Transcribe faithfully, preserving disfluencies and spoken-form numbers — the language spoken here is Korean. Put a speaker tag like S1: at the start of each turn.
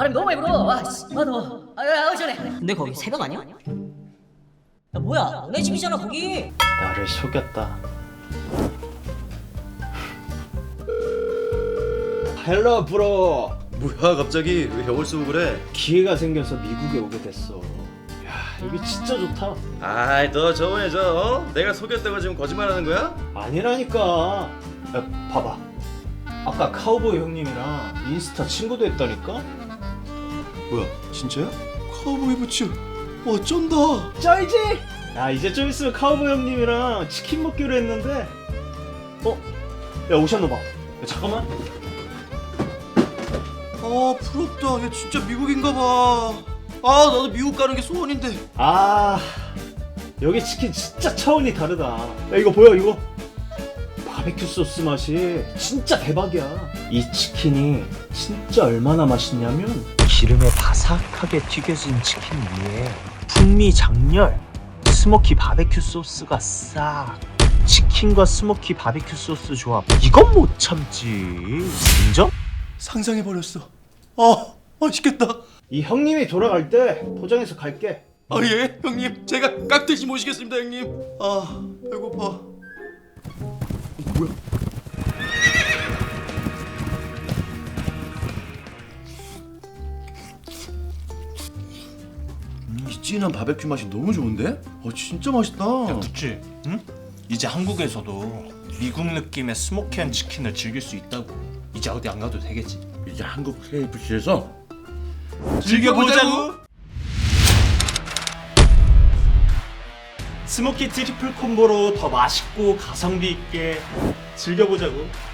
S1: 바람이 너무 많이 불어. 와, 씨, 아 더워. 아, 아, 시원해.
S2: 근데 거기 새벽 아니야? 야 뭐야 너네 집이잖아 거기.
S3: 나를 속였다. 헬로 브로.
S4: 뭐야 갑자기 왜 벽을 쓰고 그래?
S3: 기회가 생겨서 미국에 오게 됐어. 야 여기 진짜 좋다.
S4: 아이 너 저번에 저 어? 내가 속였다고 지금 거짓말하는 거야?
S3: 아니라니까. 야 봐봐. 아까 카우보이 형님이랑 인스타 친구도 했다니까.
S4: 뭐야 진짜야? 카우보이 부츠 와 쩐다.
S3: 쩔지? 야 이제 좀 있으면 카우보이 형님이랑 치킨 먹기로 했는데. 어? 야 오셨나 봐. 야, 잠깐만.
S4: 아 부럽다. 얘 진짜 미국인가 봐. 아 나도 미국 가는 게 소원인데.
S3: 아 여기 치킨 진짜 차원이 다르다. 야 이거 보여 이거? 바베큐 소스 맛이 진짜 대박이야. 이 치킨이 진짜 얼마나 맛있냐면 기름에 바삭하게 튀겨진 치킨 위에 풍미 장렬 스모키 바베큐 소스가 싹. 치킨과 스모키 바베큐 소스 조합 이건 못 참지. 인정?
S4: 상상해버렸어. 아 맛있겠다.
S3: 이 형님이 돌아갈 때 포장해서 갈게.
S4: 아 예 형님 제가 깍듯이 모시겠습니다 형님. 아 배고파. 어, 뭐야? 음, 이 진한 바베큐 맛이 너무 좋은데? 어 진짜 맛있다.
S5: 야, 그치? 응? 이제 한국에서도 미국 느낌의 스모키한 치킨을 즐길 수 있다고. 이제 어디 안 가도 되겠지.
S4: 이제 한국 케이에프씨에서
S5: 즐겨보자고.
S3: 스모키 트리플 콤보로 더 맛있고 가성비 있게 즐겨보자고.